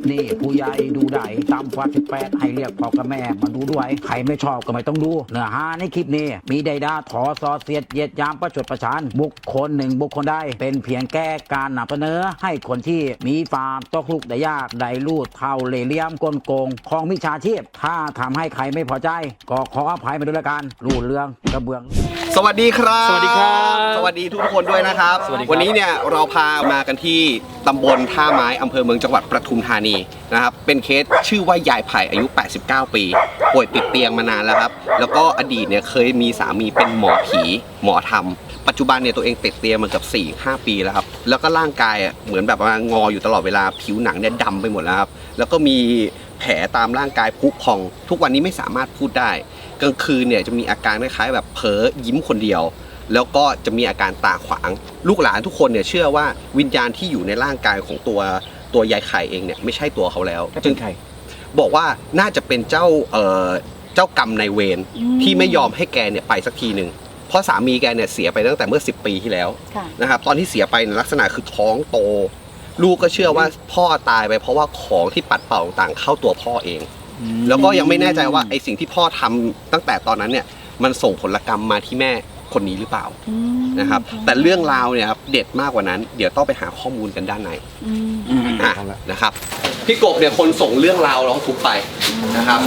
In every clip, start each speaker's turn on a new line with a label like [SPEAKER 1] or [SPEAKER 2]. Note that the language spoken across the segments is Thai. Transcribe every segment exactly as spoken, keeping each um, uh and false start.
[SPEAKER 1] นี้ผู้ใหญ่ดูได้ตามฟ้าสิบแปดให้เรียกพ่อกับแม่มาดูด้วยใครไม่ชอบก็ไม่ต้องดูเนื้อหาในคลิปนี้มีใดด่าถอซอเสียดเหยียดยามประชดประชันบุคคลหนึ่งบุคคลใดเป็นเพียงแก้การนำเสนอให้คนที่มีฟาร์มตกลุกได้ยากได้ลูดเท่าเล่ห์เหลี่ยมกลโกงของมิจฉาชีพถ้าทำให้ใครไม่พอใจก็ขออภัยมาด้วยละกันรูดเรื่องกระเบื้อง
[SPEAKER 2] สวัสดีครับ
[SPEAKER 3] สวัสดีครับ
[SPEAKER 2] สวัสดีทุกคนด้วยนะครับ วันนี้เนี่ยเราพามากันที่ตำบลท่าไม้อำเภอเมืองจังหวัดปทุมธานีนะครับเป็นเคสชื่อว่ายายไผ่อายุแปดสิบเก้าปีป่วยติดเตียงมานานแล้วครับแล้วก็อดีตเนี่ยเคยมีสามีเป็นหมอผีหมอธรรมปัจจุบันเนี่ยตัวเองติดเตียงมาเกือบ สี่ห้า ปีแล้วครับแล้วก็ร่างกายเหมือนแบบว่างออยู่ตลอดเวลาผิวหนังเนี่ยดำไปหมดแล้วครับแล้วก็มีแผลตามร่างกายพุพองทุกวันนี้ไม่สามารถพูดได้กลางคืนเนี่ยจะมีอาการคล้ายๆแบบเพ้อยิ้มคนเดียวแล้วก็จะมีอาการตาขวางลูกหลานทุกคนเนี่ยเชื่อว่าวิญญาณที่อยู่ในร่างกายของตัวตัวยายไข่เองเนี่ยไม่ใช่ตัวเขาแล้วจึงบอกว่าน่าจะเป็นเจ้าเอ่อเจ้ากรรมนายเวรที่ไม่ยอมให้แกเนี่ยไปสักทีหนึ่งเพราะสามีแกเนี่ยเสียไปตั้งแต่เมื่อสิบปีที่แล้วนะครับตอนที่เสียไปลักษณะคือท้องโตลูกก็เชื่อว่าพ่อตายไปเพราะว่าของที่ปัดเป่าต่างเข้าตัวพ่อเองแล้วก็ยังไม่แน่ใจว่าไอ้สิ่งที่พ่อทำตั้งแต่ตอนนั้นเนี่ยมันส่งผลกรรมมาที่แม่คนนี้หรือเปล่านะครับแต่เรื่องราวเนี่ยครับเด็ดมากกว่านั้นเดี๋ยวต้องไปหาข้อมูลกันด้านในอ่ะนะครับพี่กบเนี่ยคนส่งเรื่องราวร้องทุกข์ไปนะครับ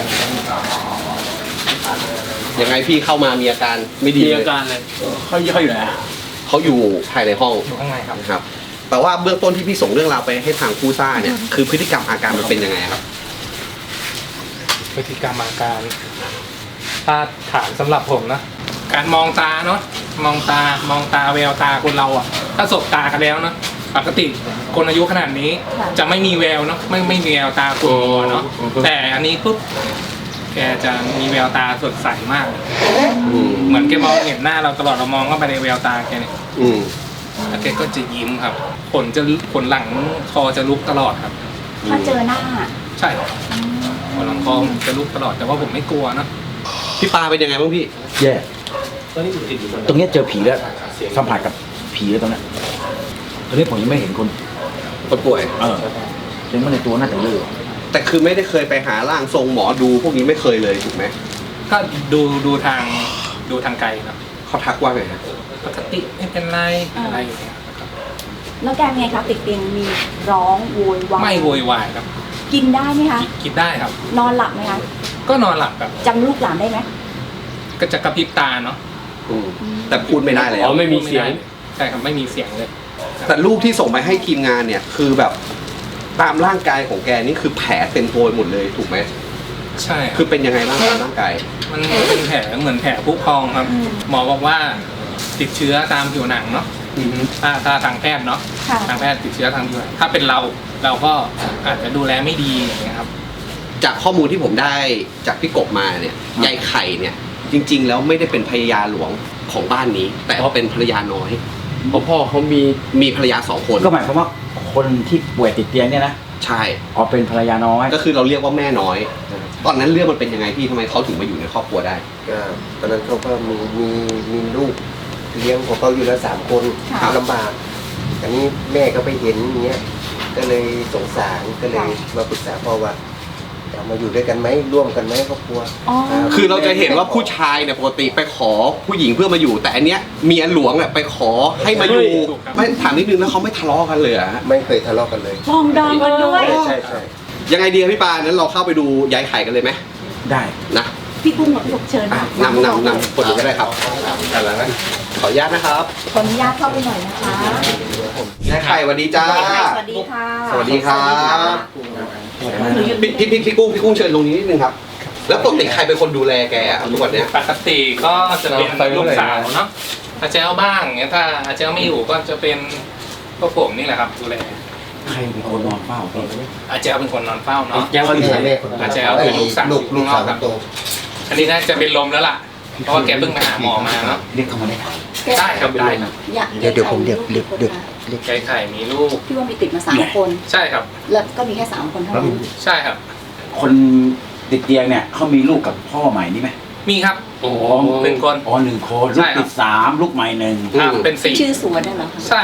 [SPEAKER 2] ยังไงพี่เข้ามามีอาการไม่ดีเลยมีอาการเลยเขาเขาอยู่ไหนเขาอยู่ภายในห้องอยู่ข้างในครับนะครับแต่ว่าเบื้องต้นที่พี่ส่งเรื่องราวไปให้ทางผู้ซ่าเนี่ยคือพฤติกรรมอาการมันเป็นยังไงครับ
[SPEAKER 3] พฤติกรรมอาการถ้าถามสำหรับผมนะการมองตาเนาะมองตามองตาแววตาคนเราอ่ะถ้าสบตากันแล้วเนาะปกติคนอายุขนาดนี้จะไม่มีแววเนาะไม่ไม่มีแววตาขุ่นมัวเนาะแต่อันนี้ปุ๊บแกจะมีแววตาสดใสมากเหมือนแกมองเห็นหน้าเราตลอดเรามองเข้าไปในแววตาแกเนี่ยแล้วแกก็จะยิ้มครับขนจะขนหลังคอจะลุกตลอดครับ
[SPEAKER 4] ถ้าเจอหน้า
[SPEAKER 3] ใช่ขนหลังคอจะลุกตลอดแต่ว่าผมไม่กลัวนะ
[SPEAKER 2] พี่ปาเป็นยังไงบ้างพี่
[SPEAKER 1] แย่ตรงนี้เจอผีแล้วสัมผัสกับผีแล้วตรงนี้ตรงนี้ผมยังไม่เห็นคน
[SPEAKER 2] คนป่วย
[SPEAKER 1] เออยังไม่ในตัวน่าจะเยอะ
[SPEAKER 2] แต่คือไม่ได้เคยไปหาร่างทรงหมอดูพวกนี้ไม่เคยเลยถูกไหม
[SPEAKER 3] ก็ดูดูทางดูทางไกลครับ
[SPEAKER 2] เขาทักว่าไงฮะ
[SPEAKER 3] ปกติไม่เป็นไรอะไรอย่างเงี้ยครับ
[SPEAKER 4] แล้วแกไงครับติดเตียงมีร้องโวยวาย
[SPEAKER 3] ไม่โวยวายครับ
[SPEAKER 4] กินได้ไหมคะ
[SPEAKER 3] กินได้ครับ
[SPEAKER 4] นอนหลับไหมคะ
[SPEAKER 3] ก็นอนหลับครับ
[SPEAKER 4] จำลูกหลานได้ไหม
[SPEAKER 3] ก็จะกระพริบตาเนาะ
[SPEAKER 2] แต่พูดไม่ได้เลย
[SPEAKER 3] อ๋อไม่มีเสียงใช่ครับไม่มีเสียงเลย
[SPEAKER 2] แต่รูปที่ส่งไปให้ทีมงานเนี่ยคือแบบตามร่างกายของแกนี่คือแผลเต็มตัวหมดเลยถูกไหม
[SPEAKER 3] ใช่
[SPEAKER 2] คือเป็นยังไงบ้างร่างกาย
[SPEAKER 3] มันเป็นแผลเหมือนแผลพุพองครับหมอบอกว่าติดเชื้อตามผิวหนังเนาะถ้าถ้าทางแพทย์เนาะทางแพทย์ติดเชื้อทางผิวหนังถ้าเป็นเราเราก็อาจจะดูแลไม่ดีอย่างเงี้ยครับ
[SPEAKER 2] จากข้อมูลที่ผมได้จากพี่กบมาเนี่ยยายไข่เนี่ยจริงๆแล้วไม่ได้เป็นภรรยาหลวงของบ้านนี้แต่เป็นภรรยาน้อยเพราะพ่อเขามีมีภรรยาสองคน
[SPEAKER 1] ก็หมายความว่าคนที่ป่วยติดเตียงเนี่ยนะ
[SPEAKER 2] ใช่
[SPEAKER 1] อ๋อเป็นภรรยาน้อย
[SPEAKER 2] ก็คือเราเรียกว่าแม่น้อยตอนนั้นเรื่องมันเป็นยังไงพี่ทำไมเขาถึงมาอยู่ในครอบครัวได้
[SPEAKER 5] ก็ตอนนั้นเขาก็มีมีมีลูกเลี้ยงของเขาอยู่แล้วสามคนลำบากอันนี้แม่ก็ไปเห็นอย่างเงี้ยก็เลยสงสารก็เลยมาปรึกษาพ่อว่ามาอยู่ด้วยกันไหมร่วมกันไหมครอบครัว
[SPEAKER 2] คือเราจะเห็นว่าผู้ชายเนี่ยปกติไปขอผู้หญิงเพื่อมาอยู่แต่อันเนี้ยเมียหลวงเนี่ยไปขอให้มาอยู่ไม่ถามนิดนึงแล้วเขาไม่ทะเลาะกันเลยอะ
[SPEAKER 5] ไม่เคยทะเลาะกันเลย
[SPEAKER 4] ฟองดองกันด้วย
[SPEAKER 5] ใช่ใช่
[SPEAKER 2] ยังไงดีพี่ปานั้นเราเข้าไปดูยายไข่กันเลยไหม
[SPEAKER 1] ได้
[SPEAKER 2] นะ
[SPEAKER 4] พี่กุ้งกับพี่กบเชิญ
[SPEAKER 2] นำนำนำคนอื่นก็ได้ครับแต่ละนะขออนุญาตนะครับ
[SPEAKER 4] ขออนุญาตเข้าไปหน่อยนะคะ
[SPEAKER 2] ยายไข่สวัสดีจ้า
[SPEAKER 4] สวัสดีค่ะ
[SPEAKER 2] สวัสดีครับพี่พี่พี่กุ้งพี่กุ้งเชิญลงนี้นิดนึงครับแล้วปกติใครเป็นคนดูแลแกอ่ะทุกวันเนี้ย
[SPEAKER 3] ปกติก็จะเป็นลูกสาวเนาะอาเจ้าบ้างเงี้ยถ้าอาเจ้าไม่อยู่ก็จะเป็นพวกผมนี่แหละครับดูแล
[SPEAKER 1] ใครเป็นคนนอนเฝ้า
[SPEAKER 3] อาเจ้าเป็นคนนอนเฝ้าเนาะ
[SPEAKER 5] อาเจ้า
[SPEAKER 3] เป็นลูกสาวลูกสาวครับอันนี้น่าจะเป็นลมแล้วล่ะเพราะว่าแกเพิ่งมาหาหมอมาเนาะ
[SPEAKER 1] เรียกเขามาได้
[SPEAKER 3] ได้ครับได้ครับ
[SPEAKER 5] เดี๋ยวเดี๋ยวผมเดี๋ยวเดี๋ยวเดี๋ยว
[SPEAKER 3] ไก่ไข่มีลูก
[SPEAKER 4] พี่ว่ามีติดมาสามคน
[SPEAKER 3] ใช่ครับ
[SPEAKER 4] แล้วก็มีแค่สามคนเท่านั้น
[SPEAKER 3] ใช่ครับ
[SPEAKER 1] คนติดเตียงเนี่ยเขามีลูกกับพ่อใหม่นี่ไหม
[SPEAKER 3] มีครับ
[SPEAKER 1] โอ้
[SPEAKER 3] หนึ่งคน
[SPEAKER 1] อ๋อหนึ่งคนลูกติดสามลูกใหม่หนึ่ง
[SPEAKER 3] เป็นสี่
[SPEAKER 4] ชื่อสวนได้เหรอ
[SPEAKER 3] ใช่ครับ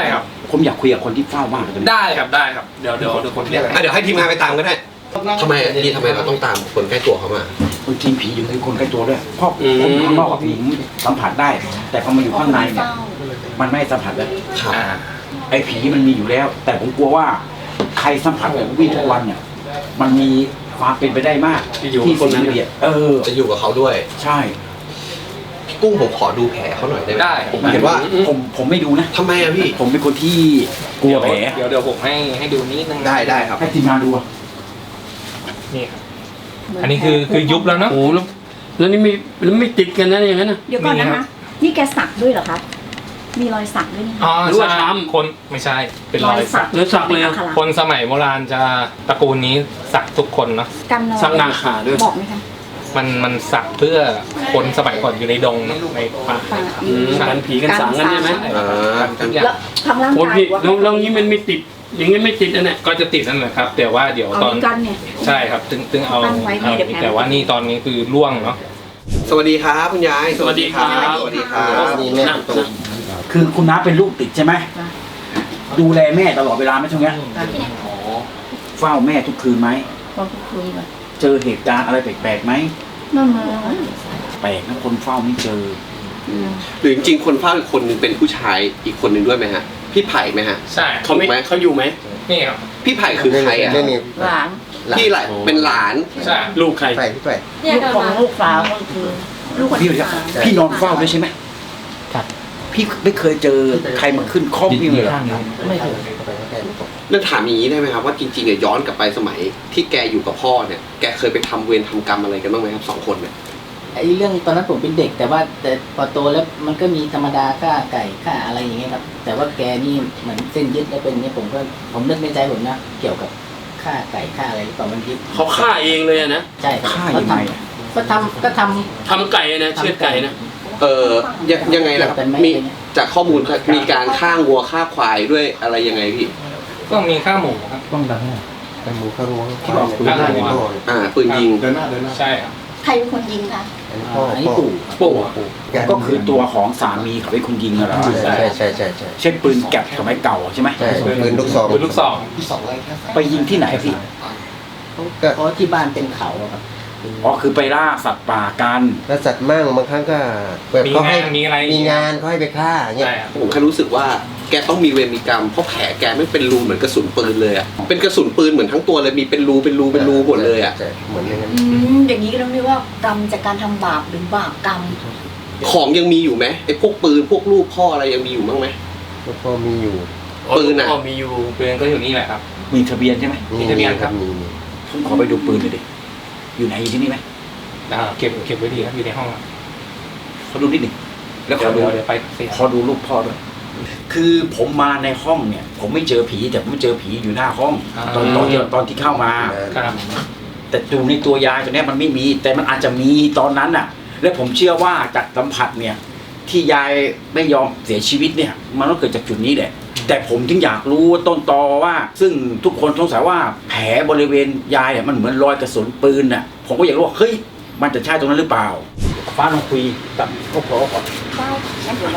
[SPEAKER 1] ผมอยากคุยกับคนที่เฝ้ามากเลยตอนนี้
[SPEAKER 3] ได้ครับได้ครับเดี๋ยวเดี๋ยวเดี๋ยวผมเรียก
[SPEAKER 2] อ่ะเดี๋ยวให้ทีมงานไปตามก็ได้ทำไมอ่ะพี่ทำไมเราต้องตามคนใกล้ตัวเขามา
[SPEAKER 1] บางทีผีอยู่ในคนใกล้ตัวด้วยเพราะผมข้างนอกผีสัมผัสได้ แต่พอมาอยู่ข้างในเนี่ยมันไม่สัมผัสเลย
[SPEAKER 2] ครับ
[SPEAKER 3] อ่า
[SPEAKER 1] ไอ้ผีมันมีอยู่แล้ว แต่ผมกลัวว่าใครสัมผัสแบบวิ่งทุกวันเนี่ยมันมีความเป็นไปได้มากที่คนนั้นเนี่ยเออ
[SPEAKER 2] จะอยู่กับเขาด้วย
[SPEAKER 1] ใช่
[SPEAKER 2] พี่กุ้งผมขอดูแผลเขาหน่อยได้ไหม
[SPEAKER 3] ได้
[SPEAKER 2] ผมเห็นว่า
[SPEAKER 1] ผมผมไม่ดูนะ
[SPEAKER 2] ทำไมอ่ะพี่
[SPEAKER 1] ผมเป็นคนที่กลัวแผล
[SPEAKER 3] เดี๋ยวเดี๋ยวผมให้ให้ดูนิดนึง
[SPEAKER 2] ได้ได้ครับ
[SPEAKER 1] ให้ทีมงานดูอะ
[SPEAKER 3] นี่ครับอันนี้คือคือยุบแล้วเนาะ
[SPEAKER 6] โอ้แล้วแล้วนี่ไม่แล้วไม่ติดกันนะอย่างนั้นนะ
[SPEAKER 4] เดี๋ยวก่อนนะคะ นี่แกสักด้วยเหรอคะมีรอยสักด้วยนี่
[SPEAKER 3] อ๋อ
[SPEAKER 6] หรือว่า
[SPEAKER 3] ใช่
[SPEAKER 6] ช้ำ
[SPEAKER 3] คนไม่ใช่เป็นรอยสัก
[SPEAKER 6] รอยสักเลยอะ
[SPEAKER 3] คนสมัยโบราณจะตระกูลนี้สักทุกคนเนาะ
[SPEAKER 4] กันนอน
[SPEAKER 6] สักหน้าขาด้วย
[SPEAKER 4] บอกไหมคะ
[SPEAKER 3] มันมันสักเพื่อคนสมัยก่อนอยู่ในดงเนอะในป่า
[SPEAKER 4] ป่า
[SPEAKER 6] อืมกันผีกันสางกันใช่ไหม
[SPEAKER 2] อ่า
[SPEAKER 3] ทุกอย่าง
[SPEAKER 4] แล้วทางร่าง
[SPEAKER 6] โอ้
[SPEAKER 4] กาย
[SPEAKER 6] พี่
[SPEAKER 4] ว่า
[SPEAKER 6] แล้วแล้วนี้มันไม่ติด อย่างงี้ไม่ติดอันเนี้ย
[SPEAKER 3] ก็จะติดนั่นแหละครับ แต่ว่าเดี๋ยว
[SPEAKER 4] เอา
[SPEAKER 3] ตอน
[SPEAKER 4] นี้กันเนี่ย
[SPEAKER 3] ใช่ครับตึงตึงเอา
[SPEAKER 4] ตั้งไว้ไม่
[SPEAKER 3] เอา
[SPEAKER 4] เดี๋ยวแพ้
[SPEAKER 3] แต่ว่านี่ตอนนี้คือล่วงเนาะ
[SPEAKER 2] สวัสดีครับคุณยาย
[SPEAKER 6] สวัสดีครับ
[SPEAKER 2] สวัสดีครับ
[SPEAKER 5] นี่แม่
[SPEAKER 6] นั่ง
[SPEAKER 5] ตรง
[SPEAKER 6] นั่ง
[SPEAKER 1] คือคุณน้าเป็นลูกติดใช่ไหมดูแลแม่ตลอดเวลาไหมช่วงเนี้ยอ๋อเฝ้าแม่ทุกคืนไหม
[SPEAKER 4] ตอนคุยแบบ
[SPEAKER 1] เจอเหตุการณ์อะไรแปลกๆไหม
[SPEAKER 4] นั่นมา
[SPEAKER 1] แปลกนะคนเฝ้าไม่เจอ
[SPEAKER 2] หรือจริงๆคนเฝ้าอีกคนนึงเป็นผู้ชายอีกคนนึงด้วยไหมฮะพี่ไผ่ไหมฮะ
[SPEAKER 3] ใช่
[SPEAKER 6] เขาไม่
[SPEAKER 2] ถูกไหม
[SPEAKER 6] เขาอยู่ไหม
[SPEAKER 3] นี่ครับ
[SPEAKER 2] พี่ไผ่คือใครอ่ะ
[SPEAKER 5] นี่นี่
[SPEAKER 4] หลาน
[SPEAKER 2] พี่แหละเป็นหลาน
[SPEAKER 3] ใช่
[SPEAKER 6] ลูกใคร
[SPEAKER 5] ไปพี่ไป
[SPEAKER 4] ลูกของลูกสาวก็คือลูกคน
[SPEAKER 1] พี่
[SPEAKER 4] ที่
[SPEAKER 1] เดี๋ยว
[SPEAKER 4] สาม
[SPEAKER 1] พี่นอนเฝ้าด้วยใช่ไหมครับ พี่ไม่เคยเจอใครมาขึ้นข้อมพี่เลยเหรอ
[SPEAKER 5] ไม่ถึง
[SPEAKER 2] เรื่องถามอย่างนี้ได้ไหมครับว่าจริงๆเนี่ยย้อนกลับไปสมัยที่แกอยู่กับพ่อเนี่ยแกเคยไปทำเวรทำกรรมอะไรกันบ้างไหมครับสองคนเนี่ย
[SPEAKER 7] ไอ้เรื่องตอนนั้นผมเป็นเด็ก แต่ว่าแต่พอโตแล้วมันก็มีธรรมดาฆ่าไก่ฆ่าอะไรอย่างเงี้ยครับแต่ว่าแกนี่เหมือนเส้นยึดแล้วเป็นอย่างเงี้ยผมก็ผมนึกในใจผมนะเกี่ยวกับฆ่าไก่ฆ่าอะไรหรือเปล่ามันยึด
[SPEAKER 6] เขาฆ่าเองเลยอะนะ
[SPEAKER 7] ใช่ครับ
[SPEAKER 1] ฆ่า
[SPEAKER 7] เขา
[SPEAKER 1] ยังไง
[SPEAKER 7] ท
[SPEAKER 1] อะ
[SPEAKER 7] ำก็ทำก็ทำ
[SPEAKER 6] ทำไก่อะนะเชือดไก่นะ
[SPEAKER 2] เออยังยังไงล่ะครับ
[SPEAKER 7] เป็นไหม
[SPEAKER 2] มีจากข้อมูลมีการฆ่าวัวฆ่าควายด้วยอะไรยังไงพี่
[SPEAKER 3] ก็มีข้าวหมูครับ
[SPEAKER 5] แต่หมูข้าวรั้ว
[SPEAKER 2] ที่บอก
[SPEAKER 5] ปืนยิงพ่อ
[SPEAKER 2] อ่าปืนยิง
[SPEAKER 3] ใช่ครับ
[SPEAKER 4] ใครเป็นคนยิงคะ
[SPEAKER 5] อันนี้พ่อ
[SPEAKER 7] อันนี้
[SPEAKER 5] พ่อ
[SPEAKER 7] ปู่
[SPEAKER 2] ปู่
[SPEAKER 1] ก็คือตัวของสามีเขาเป็นคนยิงเหรอ
[SPEAKER 5] ใช่ใช่ใช่ใช่
[SPEAKER 1] เช่นปืนแก๊ปสมัยเก่าใช่ไหม
[SPEAKER 5] ใช่ปืนลูกซอง
[SPEAKER 3] ปืนลูกซอง
[SPEAKER 1] ไปยิงที่ไหนพี่
[SPEAKER 5] ก็
[SPEAKER 7] เพราะที่บ้านเป็นเขาอะครับ
[SPEAKER 1] อ๋อคือไปล่าสัตว์ป่ากัน
[SPEAKER 5] แล้วสัตว์มั่งบางครั้งก็แบบ
[SPEAKER 3] มี
[SPEAKER 5] เขาให้
[SPEAKER 3] งานมีอะไร
[SPEAKER 5] มีงานเขาให้ไปฆ่าเงี้ย
[SPEAKER 3] ใช่ครับ
[SPEAKER 2] ผมแค่รู้สึกว่าแกต้องมีเวรมีกรรมเพราะแผลแกไม่เป็นรูเหมือนกระสุนปืนเลยอ่ะเป็นกระสุนปืนเหมือนทั้งตัวเลยมีเป็นรูเป็นรูเป็นรูหมดเลยอ่ะ
[SPEAKER 5] ใช่เหมือนอย่างนั้น
[SPEAKER 4] อืมอย่างนี้ก็ต้องเรียกว่ากรรมจากการทำบาปหรือบาปกรรม
[SPEAKER 2] ของยังมีอยู่ไหมไอ้พวกปืนพวกลูกพ่ออะไรยังมีอยู่บ้างไหม
[SPEAKER 5] แล้วก็มีอยู่
[SPEAKER 2] ปืนอะ
[SPEAKER 6] ก็มีอยู่
[SPEAKER 3] ปืนก็อยู่นี่แหละครับ
[SPEAKER 1] มีทะเบียนใช่ไหม
[SPEAKER 3] มีทะเบียนครับ
[SPEAKER 5] มีมี
[SPEAKER 1] ผมขอไปดูปืนหน่อยดิอยู่ไหนอยู่ที่นี่ไหม
[SPEAKER 3] อ่าเก็บเก็บไว้ดีครับอยู่ในห้องครับ
[SPEAKER 1] ขอดูนิดหนึ่งแล้วข
[SPEAKER 3] เดี๋ย
[SPEAKER 1] อ
[SPEAKER 3] ว
[SPEAKER 1] ดู
[SPEAKER 3] เดี๋ยวเดี๋ยวไปเสีย
[SPEAKER 1] ขอดูรูปพ่อด้วย คือผมมาในห้องเนี่ย ผมไม่เจอผีแต่ผมเจอผีอยู่หน้าห้อง ตอนตอนที่ตอนที่เข้ามา
[SPEAKER 3] ครับ
[SPEAKER 1] แต่ดูในตัวยายตัวเนี้ยมันไม่มี แต่มันอาจจะมีตอนนั้นน่ะ และผมเชื่อว่าจากสัมผัสเนี่ย ที่ยายไม่ยอมเสียชีวิตเนี่ย มันต้องเกิดจากจุดนี้แหละ แต่ผมถึงอยากรู้ต้นตอว่า ซึ่งทุกคนสงสัยว่าแผลบริเวณยายเนี่ยมันเหมือนรอยกระสุนปืนน่ะ ผมก็อยากรู้ว่าเฮ้ยมันจะใช่ตรงนั้นหรือเปล่า ฟ้าลองคุยกับครอบครัวก่อน
[SPEAKER 4] ได้งั้นเดี๋ยวเรา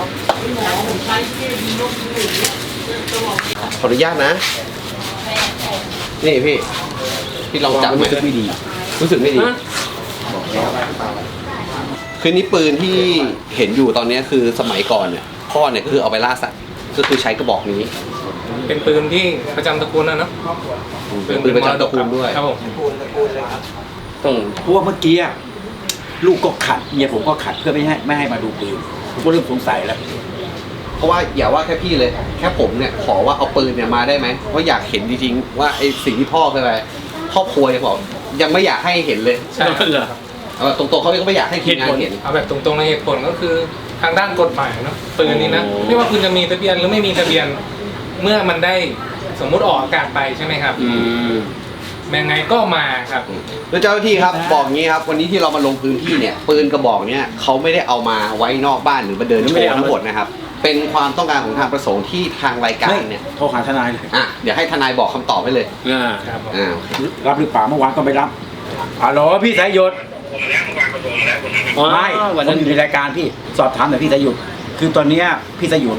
[SPEAKER 2] ขออนุญาตนะ นี่พี่ พี่ลองจับไหม
[SPEAKER 1] รู้สึกไม่ดี
[SPEAKER 2] รู้สึกไม่ดี
[SPEAKER 6] ฮะ
[SPEAKER 2] คือนี่ปืนที่เห็นอยู่ตอนนี้คือสมัยก่อนเนี่ยพ่อเนี่ยคือเอาไปล่าสัตว์ก็คือใช้กระบอกนี้
[SPEAKER 3] เป็นปืนที่ประจำตระกูลนะเนาะ
[SPEAKER 2] เป็นปืนประจำตระกูลด้วย
[SPEAKER 3] ครับผม
[SPEAKER 6] ต้อง
[SPEAKER 1] เพราะว่าเมื่อกี้อะลูกก็ขัดเมียผมก็ขัดเพื่อไม่ให้ไม่ให้มาดูปืนผมก็เริ่มสงสัยแล้ว
[SPEAKER 2] เพราะว่าอย่าว่าแค่พี่เลย แค่ผมเนี่ยขอว่าเอาปืนเนี่ยมาได้ไหมเพราะอยากเห็นจริงๆว่าไอ้สิ่งที่พ่อเคยไปครอบครัวยังบอกยังไม่อยากให้เห็นเลย
[SPEAKER 3] ใช่ครับ
[SPEAKER 6] เหรอ
[SPEAKER 2] เอาแบบตรงๆเขาก็ไม่อยากให้ทีมงานเห็น
[SPEAKER 3] เอาแบบตรงๆในเหตุผลก็คือทางด้านกฎหมายเนาะปืนนี้นะ
[SPEAKER 6] โอ้
[SPEAKER 3] ไม่ว่าคุณจะมีทะเบียนหรือไม่มีทะเบียน เมื่อมันได้สมมุติออกอากาศไปใช่ไหมครับ
[SPEAKER 6] อืม
[SPEAKER 3] ยังไงก็มาครับ
[SPEAKER 2] แล้วเจ้าหน้าที่ครับบอกงี้ครับวันนี้ที่เรามาลงพื้นที่เนี่ยปืนกระบอกเนี่ยเขาไม่ได้เอามาไว้นอกบ้านหรือมาเดินโชว์ทั้งหมดนะครับเป็นความต้องการของทางประสงค์ที่ทางรายการเนี่ย
[SPEAKER 1] โทรหาทนายเลย
[SPEAKER 2] อ่ะเดี๋ยวให้ทนายบอกคำตอบให้เลย
[SPEAKER 6] อ่า
[SPEAKER 3] ครับผม
[SPEAKER 2] อ่า
[SPEAKER 1] รับหรือเปล่าเมื่อวานก็ไม่รับอ๋อเหรอพี่สายหยุด
[SPEAKER 6] อ๋อ
[SPEAKER 1] ไม่
[SPEAKER 6] วัน
[SPEAKER 1] ผ
[SPEAKER 6] นั้
[SPEAKER 1] ม
[SPEAKER 6] น
[SPEAKER 1] อยู่ในรายการพี่สอบถามหน่อยพี่สายหยุดคือตอนเนี้ยพี่สายหยุด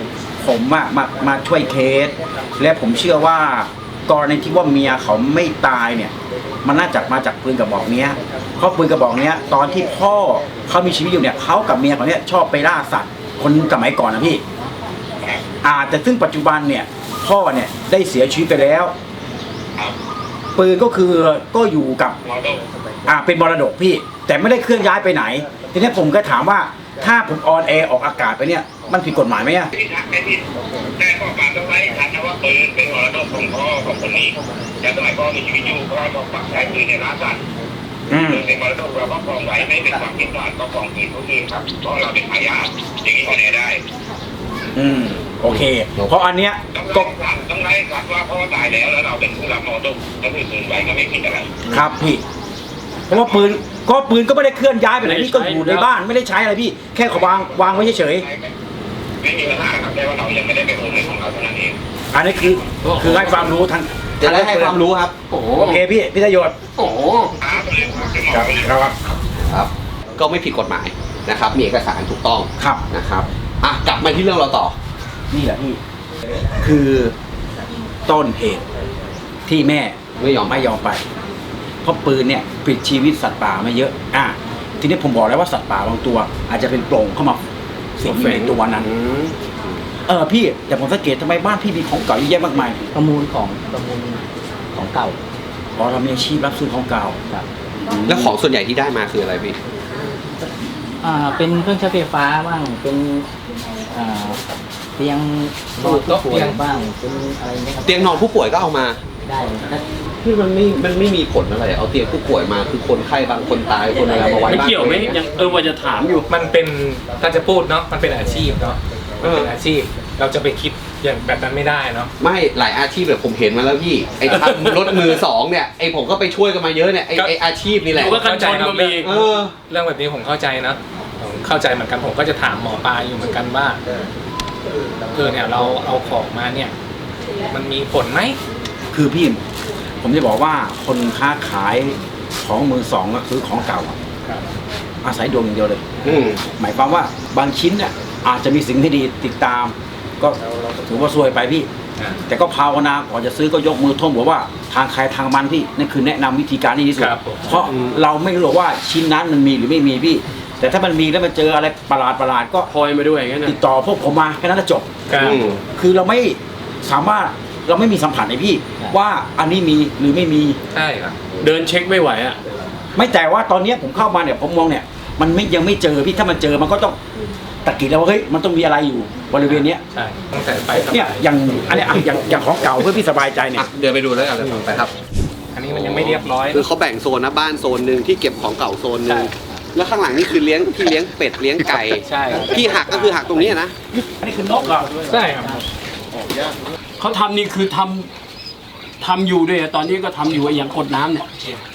[SPEAKER 1] ผมอะมามาช่วยเคส และผมเชื่อว่ากรณีที่ว่าเมียเขาไม่ตายเนี่ย มันน่าจะมาจากปืนกระบอกเนี้ยเพราะปืนกระบอกเนี้ยตอนที่พ่อเขามีชีวิตอยู่เนี่ยเขากับเมียเขาเนี่ยชอบไปล่าสัตว์คนสมัยก่อนนะพี่อาจจะซึ่งปัจจุบันเนี่ยพ่อเนี่ยได้เสียชีวิตไปแล้วปืนก็คือก็อยู่กับอ่าเป็นมรดกพี่ แต่ไม่ได้เคลื่อนย้ายไปไหนทีนี้ผมก็ถามว่าถ้าผมออนแอร์ออกอากาศไปเนี่ยมันผิดกฎหมายไหมอะ
[SPEAKER 8] ที่ทักไม่ผิดแต่ข้อความต้องไว้ทักนะว่าปืนเป็นมรดกของพ่อของคนนี้แล้วสมัยพ่อมีชีวิตอยู่พ่อต้องปักใช้ปืนในร้านสัตว์
[SPEAKER 1] อืม
[SPEAKER 8] ปืนเป็นมรดกเราก็ครองไว้ไม่เป็นความผิดพลาดก็ครองปืนผู้อื่นครับเพราะเราเป็นทายาทอย่างนี้ก็แน่ได้
[SPEAKER 1] อืมโอเค เพราะอันเนี้ย
[SPEAKER 8] ต้อง
[SPEAKER 1] ก็
[SPEAKER 8] ไล่สัตว์ต้องไล่สัตว์ว่าพ่อตายแล้วแล้วเราเป็นผู้รับมรดกก็คือปืนไว้ก็ไม่ผิดอะไร
[SPEAKER 1] ครับพี่เพราะว่าปืนก็ปืนก็ไม่ได้เคลื่อนย้ายไปไหนพี่ก็อยู่ในบ้านไม่ได้ใช้อะไรพี่แค่เขาวางวางไว้เฉย
[SPEAKER 8] ไม่มีปัญหาครับแต่ว่าเรายังไม่ได้เป็นโอนเงินของเราเท่านั้นเอง
[SPEAKER 1] ๆอันนี้คือคือให้ความรู้ทาง
[SPEAKER 2] จะได้ให้ความรู้ครับ
[SPEAKER 6] โอ้โห
[SPEAKER 1] โอเคพี่พี่ประโยชน์
[SPEAKER 6] โอ้โห
[SPEAKER 8] ครับเลยครับเป็นหมอ
[SPEAKER 1] ครับ
[SPEAKER 8] ไปเลย
[SPEAKER 1] ครับ
[SPEAKER 2] ครับ ก็ไม่ผิดกฎหมายนะครับ มีเอกสารถูกต้อง
[SPEAKER 1] ครับ
[SPEAKER 2] นะครับอ่ะกลับมาที่เรื่องเราต่อ
[SPEAKER 1] นี่แหละพี่คือต้นเหตุที่แม่
[SPEAKER 2] ไม่ยอม
[SPEAKER 1] ไม่ยอมไป เพราะปืนเนี่ยปิดชีวิตสัตว์ป่ามาเยอะอ่ะทีนี้ผมบอกแล้วว่าสัตว์ป่าบางตัว อาจจะเป็นโปร่งเข้ามาสิงอยู่ในตัวนั้น
[SPEAKER 2] อืม
[SPEAKER 1] เออพี่แต่ผมสังเกตทำไมบ้านพี่มีของเก่าเยอะแยะมากมาย
[SPEAKER 7] ประมูลของประมูลของเก่า
[SPEAKER 1] อ๋อเรามีอาชีพรับซื้อของเก่า
[SPEAKER 7] ครับ
[SPEAKER 2] แล้วของส่วนใหญ่ที่ได้มาคืออะไรพี่
[SPEAKER 7] อ่าเป็นเครื่องใช้ไฟฟ้าบ้างเป็นอ่าเตียงนอนผู้ป่วยบ้างเป็นอะไรเงี้ยครับ
[SPEAKER 2] เตียงนอนผู้ป่วยก็เอามา
[SPEAKER 7] ได้ถ้า
[SPEAKER 2] ที่มันไม่มันไม่มีผลอะไร เอาเตียงผู้ป่วยมาคือคนไข้บางคนตายคนอะไรมาไว้
[SPEAKER 6] ไม่
[SPEAKER 2] บ้าน
[SPEAKER 6] เกี่ยวไหมยังเออว่าจะถามอยู่
[SPEAKER 3] มันเป็นถ้าจะพูดเนาะมันเป็นอาชีพเนาะ
[SPEAKER 2] เอ
[SPEAKER 3] มัน
[SPEAKER 2] อ
[SPEAKER 3] เป็นอาชีพ เราจะไปคิดอย่างแบบนั้นไม่ได้เนาะ
[SPEAKER 2] ไม่หลายอาชีพแบบผมเห็นมาแล้วพี่ไอ้ทำรถมือสองเนี่ยไอ้ผมก็ไปช่วยกันมาเยอะเนี่ยไอ้
[SPEAKER 3] ก็
[SPEAKER 2] ไอ้อาชีพนี่แหละ
[SPEAKER 6] อยู่ก็กันชนก็มี
[SPEAKER 2] เออ
[SPEAKER 3] เรื่องแบบนี้ผมเข้าใจนะผมเข้าใจเหมือนกันผมก็จะถามหมอปลาอยู่เหมือนกันว่าเออเนี่ยเราเอาของมาเนี่ย มันมีผลไหม
[SPEAKER 1] คือพี่ผมจะบอกว่าคนค้าขายของมือสองก็คือของเก่าอะอาศัยดวงอย่างเดียวเลย
[SPEAKER 2] อืม
[SPEAKER 1] หมายความว่าบางชิ้นเนี่ยอาจจะมีสิ่งที่ดีติดตาม ก็ถือว่าซวยไปพี่
[SPEAKER 3] อ่า
[SPEAKER 1] แต่ก็ภาวนาก่อนจะซื้อก็ยกมือท่วมหัวว่าทางใครทางมันพี่นั่นคือแนะนำวิธีการที่ดีที่สุด
[SPEAKER 3] ครับผม
[SPEAKER 1] เพราะเราไม่รู้หรอกว่าชิ้นนั้นมันมีหรือไม่มีพี่ แต่ถ้ามันมีแล้วมันเจออะไรประหลาดประหลาดๆก็
[SPEAKER 6] พลอยมาด้วยงั้น
[SPEAKER 1] ติ
[SPEAKER 6] นะ
[SPEAKER 1] ดต่อพวกผมมาแค่นั้นก็จบ
[SPEAKER 3] ครับ
[SPEAKER 2] อืม
[SPEAKER 1] คือเราไม่สามารถเราไม่มีสัมผัสในพี่ ว่าอันนี้มีหรือไม่มี
[SPEAKER 3] ใช่ครับ
[SPEAKER 6] เดินเช็คไม่ไหวอ่ะ
[SPEAKER 1] ไม่แต่ว่าตอนเนี้ยผมเข้ามาเนี่ยผมมองเนี่ยมันไม่ยังไม่เจอพี่ถ้ามันเจอมันก็ต้องตะกิดแล้วว่าเฮ้ยมันต้องมีอะไรอยู่บริเวณเนี้ย
[SPEAKER 3] ใช่ตั้งแต่ไปสบา
[SPEAKER 1] เนี่ยอย่างอันเนี้ยอ่ะอย่างอย่างของเก่าเพื่อพี่สบายใจเนี่
[SPEAKER 2] อ่ะ
[SPEAKER 1] ย
[SPEAKER 2] เดินไปดูแล้วกันเลยไปครับ
[SPEAKER 3] อันนี้มันยังไม่เรียบร้อย
[SPEAKER 2] คือเขาแบ่งโซนนะบ้านโซนหนึ่งที่เก็บของเก่าโซนหนึ่ง
[SPEAKER 3] ใช่
[SPEAKER 2] แล้วข้างหลังนี่คือเลี้ยงที่เลี้ยงเป็ดเลี้ยงไก่
[SPEAKER 3] ใช่
[SPEAKER 2] ที่หักก็คือหักตรงนี้นะ
[SPEAKER 1] อันนี้คือนกเหรอ
[SPEAKER 3] ใช่ครับ
[SPEAKER 6] เขาทำนี่คือทำทำอยู่ด้วยอะตอนนี้ก็ทำอยู่ไอ้อย่างกดน้ำเนี่ย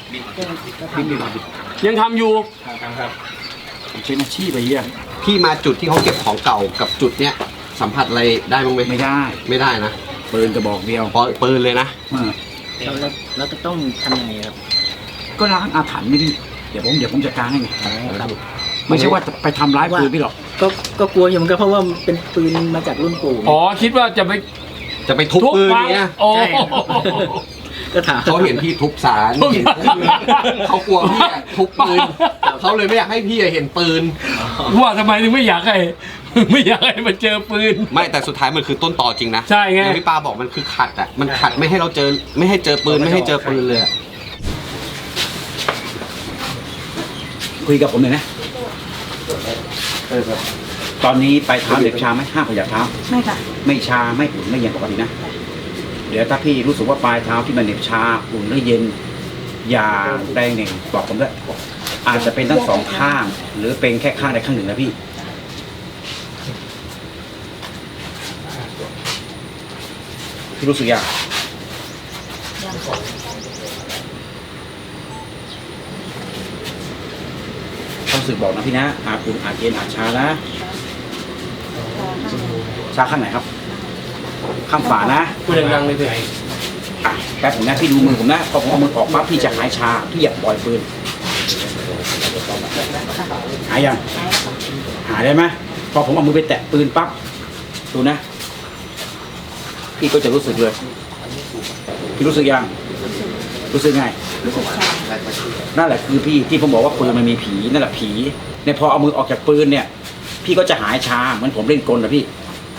[SPEAKER 6] ยังทำอยู่
[SPEAKER 3] ครับ
[SPEAKER 1] ผมเป็นอาชีพไปเยี่ย
[SPEAKER 2] พี่มาจุดที่เขาเก็บของเก่ากับจุดเนี้ยสัมผัสอะไรได้บ้างไหม
[SPEAKER 1] ไม่ได้
[SPEAKER 2] ไม่ได้นะ
[SPEAKER 1] ปืนกระบอกเดียว
[SPEAKER 2] เพราะปืนเลยนะ
[SPEAKER 1] เออ
[SPEAKER 7] เราเราเราจะต้องทำยังไงครับ
[SPEAKER 1] ก็ล้างอาถรรพ์ไม่ดีเดี๋ยวผมเดี๋ยวผมจัดการให้ไง
[SPEAKER 7] ครับ
[SPEAKER 1] ไม่ใช่ว่าจะไปทำร้ายปืนพี่หรอก
[SPEAKER 7] ก็ก็กลัวอยู่เหมือนกันเพราะว่ามันเป็นปืนมาจากรุ่นปู่
[SPEAKER 6] อ๋อคิดว่าจะไป
[SPEAKER 2] จะไปทุบปืน
[SPEAKER 6] ฟัง
[SPEAKER 2] เนี้ย
[SPEAKER 6] โอ้
[SPEAKER 7] ใช่ครับ ก็ถาม
[SPEAKER 2] เขาเห็นพี่ทุบสารเห็นปืนเขากลัวพี่อะทุบปืนเขาเลยไม่อยากให้พี่อะเห็นปืน
[SPEAKER 6] ว่าทำไมถึงไม่อยากให้ ไม่อยากให้มันเจอปืน
[SPEAKER 2] ไม่แต่สุดท้ายมันคือต้นต่อจริงนะ
[SPEAKER 6] ใช่ไง
[SPEAKER 2] อย่างที่ป้าบอกมันคือขัดอ่ะมันขัดไม่ให้เราเจอไม่ให้เจอปืนไม่ให้เจอปืนเลยอะ
[SPEAKER 1] คุยกับผมหน่อยนะเออครับตอนนี้ไปเท้าเด็กชาไหมห้ามขยับเท้า
[SPEAKER 4] ไม่ค่ะ
[SPEAKER 1] ไม่ชาไม่อุ่นไม่เย็นปกตินะ เดี๋ยวถ้าพี่รู้สึกว่าปลายเท้าที่มันเหน็บชาอุ่นหรือเย็น อย่าแรงหนึ่งบอกผมด้วยอาจจะเป็นทั้งสองข้าง หรือเป็นแค่ข้างใดข้างหนึ่งนะพี่พี่รู้สึกยังความรู้สึกบอกนะพี่นะอาจอุ่นอาจเย็นอาจชานะชาข้างไหนครับ ข้างฝานะ
[SPEAKER 6] พูดดังๆเลยเถอะ
[SPEAKER 1] อ่ะแป๊บผมนะพี่ดูมือผมนะพอผมเอามือออกปั๊บพี่จะหายชาพี่อย่าปล่อยปืนหายยังหายได้ไหมพอผมเอามือไปแตะปืนปั๊บดูนะพี่ก็จะรู้สึกเลยพี่รู้สึกยังรู้สึกไง
[SPEAKER 4] รู้สึกชา
[SPEAKER 1] นั่นแหละคือพี่ที่ผมบอกว่าปืนมันมีผีนั่นแหละผีเนี่ยพอเอามือออกจากปืนเนี่ย พี่ก็จะหายชาเหมือนผมเล่นกลนะพี่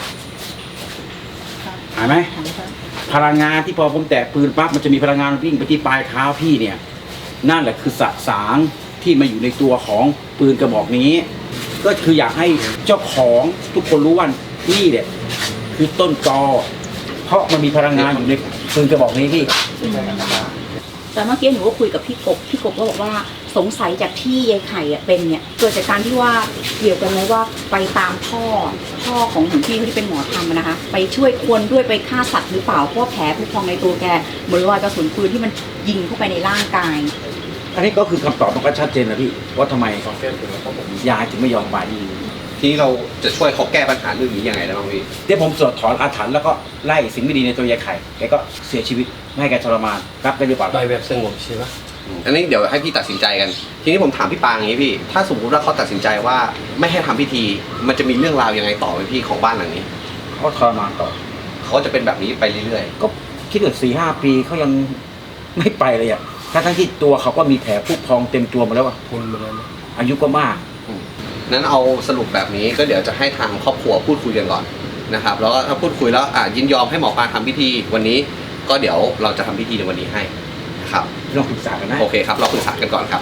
[SPEAKER 1] หายไหมพลังงานที่พอผมแตะปืนปั๊บมันจะมีพลังงานวิ่งไปที่ปลายเท้าพี่เนี่ยนั่นแหละคือสสารที่มาอยู่ในตัวของปืนกระบอกนี้ ก็คืออยากให้เจ้าของทุกคนรู้ว่านี่เนี่ยคือต้นตอเพราะมันมีพลังงานอยู่ในปืนกระบอกนี้พี่
[SPEAKER 4] แต่เมื่อกี้หนูก็คุยกับพี่กบพี่กบก็บอกว่าสงสัยจากที่ยายไข่อะเป็นเนี่ยเกิดจากการที่ว่าเกี่ยวกันไหมว่าไปตามพ่อพ่อของหลวงพี่ที่เป็นหมอธรรมนะคะ ไปช่วยคนด้วยไปฆ่าสัตว์หรือเปล่าเพราะว่าแผลผุพองในตัวแกเหมือนรอยกระสุนปืนที่มันยิงเข้าไปในร่างกาย
[SPEAKER 1] อันนี้ก็คือคำตอบมันก็ชัดเจนนะพี่ว่าทำไมยายถึงไม่ยอมไป
[SPEAKER 2] ทีนี้เราจะช่วยเขาแก้ปัญหาเรื่องนี้ยังไงได้บ้างพี่
[SPEAKER 1] เดี๋ยวผมสวดถอนอาถรรพ์แล้วก็ไล่สิ่งไม่ดีในตัวยายไข่แกก็เสียชีวิตไม่ให้แกทรมานรับได้หรือเปล่า
[SPEAKER 6] ไปแบบสงบใช่ไหม
[SPEAKER 2] อันนี้เดี๋ยวให้พี่ตัดสินใจกัน ทีนี้ผมถามพี่ปางอย่างนี้พี่ ถ้าสมมติว่าเขาตัดสินใจว่าไม่ให้ทำพิธี มันจะมีเรื่องราวยังไงต่อไหมพี่ของบ้านหลังนี้
[SPEAKER 1] เขาทรมานต่อ
[SPEAKER 2] เขาจะเป็นแบบนี้ไปเรื่อย
[SPEAKER 1] ก็คิดว่าสี่ห้าปีเขายังไม่ไปเลยอ่ะทั้งทั้งที่ตัวเขาก็มีแผลผุพองเต็มตัวหมาแล้วอ่ะ
[SPEAKER 6] พุนมาแล้วนะ
[SPEAKER 1] อายุก็มาก
[SPEAKER 2] ๆนั้นเอาสรุปแบบนี้ก็เดี๋ยวจะให้ทางครอบครัวพูดคุยกันก่อนนะครับ แล้วก็ถ้าพูดคุยแล้วอ่ะยินยอมให้หมอปลาทำพิธีวันนี้ ก็เดี๋ยวเราจะทำพิธีในวันนี้ให้นะครับ
[SPEAKER 1] ลองปรึกษากันนะ
[SPEAKER 2] โอเคครับ เราปรึกษากันก่อนครับ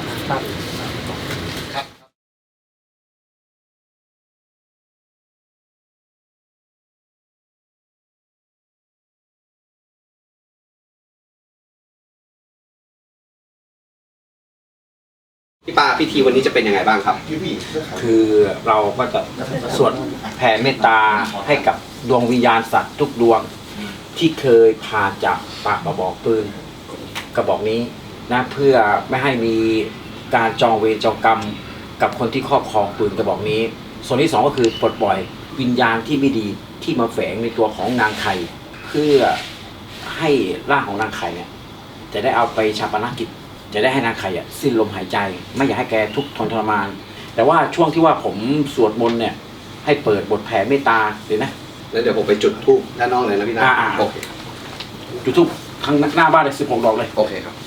[SPEAKER 2] พี่ปาพิธีวันนี้จะเป็นยังไงบ้างครับ
[SPEAKER 1] คือเราก็จะสวดแผ่เมตตาให้กับดวงวิญญาณสัตว์ทุกดวงที่เคยผ่านจากปากกระบอกปืนกระบอกนี้นะเพื่อไม่ให้มีการจองเวรจองกรรมกับคนที่ครอบครองปืนกระบอกนี้ ส่วนที่สองก็คือปลดปล่อยวิญญาณที่ไม่ดีที่มาแฝงในตัวของนางไข่เพื่อให้ร่างของนางไข่เนี่ยจะได้เอาไปชาปนกิจจะได้ให้นางไข่อ่ะสิ้นลมหายใจไม่อยากให้แกทุกข์ทนทรมานแต่ว่าช่วงที่ว่าผมสวดมนต์เนี่ยให้เปิดบทแผ่เมตตาเลยนะ
[SPEAKER 2] แล้วเดี๋ยวผมไปจุดธูปด้านนอกเลยนะพี่นะ
[SPEAKER 1] อ่าๆ
[SPEAKER 2] โอเค
[SPEAKER 1] จุดทุกข้างหน้าบ้านเลยสิบหกดอกเลย
[SPEAKER 2] โอเคครับ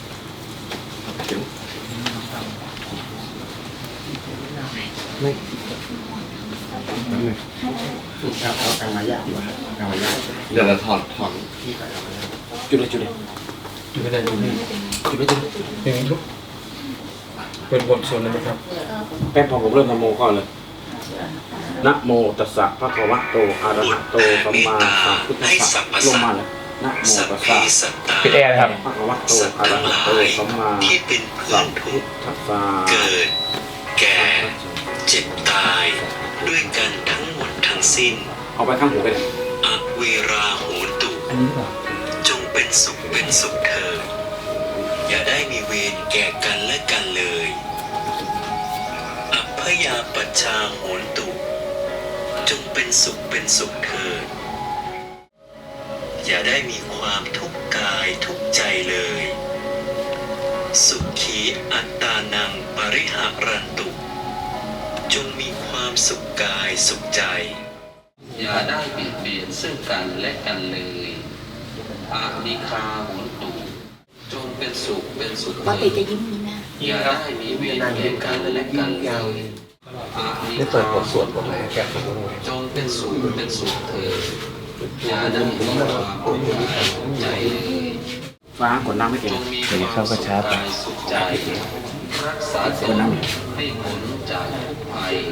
[SPEAKER 2] เดี๋ยวเราถอนถอน
[SPEAKER 1] จุดเลยจุดเลย
[SPEAKER 3] อยู่ไม่ได้ดูนี่
[SPEAKER 1] จุดเลยจุดเลย
[SPEAKER 3] อย่างนี้ทุกเป็นบทสวดเลยไหมครับ
[SPEAKER 1] แป๊บพอผมเริ่มนะโมก่อนเลยนะโมตัสสะภะคะวะโตอะระหะโตสัมมาสัมพุทธัสสะลงมาเลยนะโมตัสสะ
[SPEAKER 3] ปิดแอร์นะครับ
[SPEAKER 1] ภะคะวะโตอะระหะโตสัมมา
[SPEAKER 9] ที่เป็นเพื่อ
[SPEAKER 1] สั
[SPEAKER 9] น
[SPEAKER 1] ม
[SPEAKER 9] ทุ
[SPEAKER 1] พุ
[SPEAKER 9] ก
[SPEAKER 1] ท
[SPEAKER 9] ข์
[SPEAKER 1] ธัสสะ
[SPEAKER 9] เกิด แก่ เจ็บตาย ด้วยกันทั้งหมดทั้งสิ้น
[SPEAKER 1] เอาไปข้างหูไปเลย
[SPEAKER 9] อเวราโหนตุ
[SPEAKER 1] อันนี้หรือเปล่า
[SPEAKER 9] จงเป็นสุขเป็นสุขเถิดอย่าได้มีเวรแก่กันและกันเลยอัพพยาปัชชาโหนตุ จงเป็นสุขเป็นสุขเถิดอย่าได้มีความทุกข์กายทุกข์ใจเลย สุขีอัตตานังปริหารันตุ จงมีความสุขกายสุขใจ
[SPEAKER 10] อย่าได้เบียดเบียนซึ่งกันและกันเลยอานิคาโหนตุจงเป็นสุขเป็นสุข
[SPEAKER 4] ปกติจะยิ้มนี้นะ
[SPEAKER 10] อย่าได้มีเวรแก่กันและกันเลยอานิคาโหนตุจงเป็นสุขเป็นสุขเถิดอย่าได้มีความทุกข์กายทุกข์ใจเลย
[SPEAKER 1] ฟ้ากดน้ำไม่เก่
[SPEAKER 10] จ
[SPEAKER 1] ง
[SPEAKER 10] งมีความสุขกายสุขใจรักษาตนให้พ้นจากทุกภัย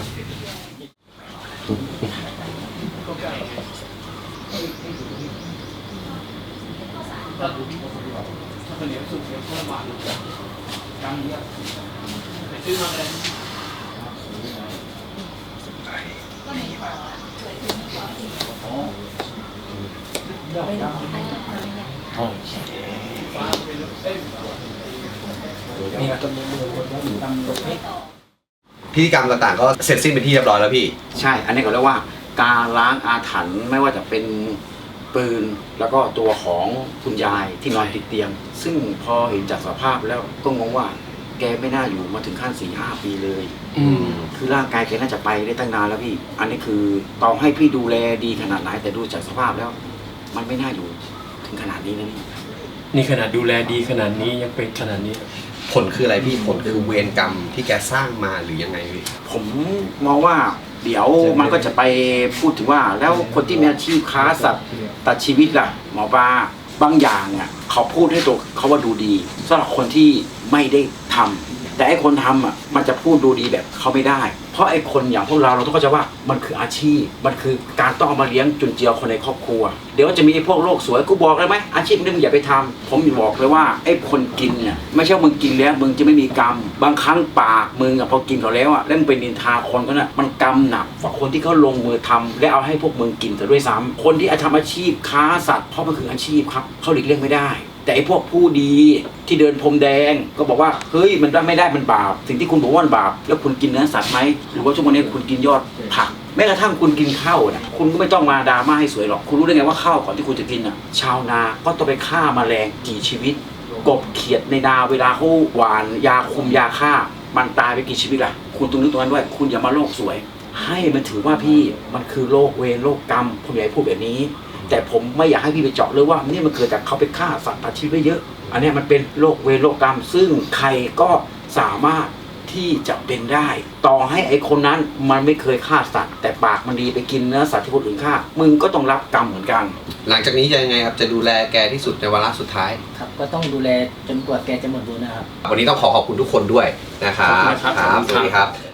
[SPEAKER 2] พิธีกรรมต่างๆก็เสร็จสิ้นเป็นที่เรียบร้อยแล้วพี่
[SPEAKER 1] ใช่ อันนี้เขาเรียกว่าการล้างอาถรรพ์ไม่ว่าจะเป็นปืนแล้วก็ตัวของคุณยายที่นอนติดเตียง ซึ่งพอเห็นจากสภาพแล้วก็งงว่าแกไม่น่าอยู่มาถึงขั้นสี่ห้าปีเลย
[SPEAKER 3] อืม
[SPEAKER 1] คือร่างกายแกน่าจะไปได้ตั้งนานแล้วพี่ อันนี้คือต่อให้พี่ดูแลดีขนาดไหนแต่ดูจากสภาพแล้ว
[SPEAKER 6] มันไม่น่าอยู่ถึงขนาดนี้นะนี่
[SPEAKER 11] นี่ขนาดดูแลดีขนาดนี้ยังเป็นขนาดนี้
[SPEAKER 2] ผลคืออะไรพี่ผลคือเวรกรรมที่แกสร้างมาหรือยังไงพี่
[SPEAKER 6] ผมมองว่าเดี๋ยวมันก็จะไปพูดถึงว่าแล้วคนที่มีอาชีพค้าสัตว์ตัดชีวิตล่ะหมอปลาบางอย่างเนี่ยเขาพูดให้ตัวเขาว่าดูดีสำหรับคนที่ไม่ได้ทำแต่ไอ้คนทำอ่ะมันจะพูดดูดีแบบเขาไม่ได้เพราะไอ้คนอย่างพวกเราเราต้องเข้าใจว่ามันคืออาชีพมันคือการต้องเอามาเลี้ยงจุนเจือคนในครอบครัวเดี๋ยวจะมีไอ้พวกโลกสวยกูบอกเลยไหมอาชีพนี้มึงอย่าไปทำผมบอกเลยว่าไอ้คนกินเนี่ยไม่ใช่มึงกินแล้วมึงจะไม่มีกรรมบางครั้งปากมึงอ่ะพอกินเขาแล้วอ่ะแล้วมึงไปนินทาคนก็น่ะมันกรรมหนักกว่าคนที่เขาลงมือทำและเอาให้พวกมึงกินแต่ด้วยซ้ำคนที่ทำอาชีพค้าสัตว์เพราะมันคืออาชีพครับเขาหลีกเลี่ยงไม่ได้แต่ไอ้พวกผู้ดีที่เดินพรมแดงก็บอกว่าเฮ้ยมันไม่ได้มันบาปสิ่งที่คุณบอกว่ามันบาปแล้วคุณกินเนื้อสัตว์ไหมหรือว่าช่วงนี้คุณกินยอดผักแม้กระทั่งคุณกินข้าวนะคุณก็ไม่ต้องมาดราม่าให้สวยหรอกคุณรู้ได้ไงว่าข้าวก่อนที่คุณจะกินอ่ะชาวนาก็ต้องไปฆ่าแมลงกี่ชีวิตกบเขียดในนาเวลาเขาหวานยาคุมยาฆ่ามันตายไปกี่ชีวิตล่ะคุณต้องนึกตรงนั้นด้วยคุณอย่ามาโลกสวยให้มันถือว่าพี่มันคือโลกเวรโลกกรรมผมอยากให้พูดแบบนี้แต่ผมไม่อยากให้พี่ไปเจาะเลยว่านี่มันเกิดจากเขาไปฆ่าสัตว์ตัดชีวิตไว้เยอะอันนี้มันเป็นโรคเวรโรคกรรมซึ่งใครก็สามารถที่จะเป็นได้ต่อให้ไอ้คนนั้นมันไม่เคยฆ่าสัตว์แต่ปากมันดีไปกินเนื้อสัตว์ที่คนอื่นฆ่ามึงก็ต้องรับกรรมเหมือนกัน
[SPEAKER 2] หลังจากนี้จะยังไงครับจะดูแลแกที่สุดในวาระสุดท้าย
[SPEAKER 7] ครับก็ต้องดูแลจนกว่าแกจะหมดบุญนะครับ
[SPEAKER 2] วันนี้ต้องขอขอบคุณทุกคนด้วยนะครับ
[SPEAKER 11] ขอบคุณครับ
[SPEAKER 2] สวัสดีครับ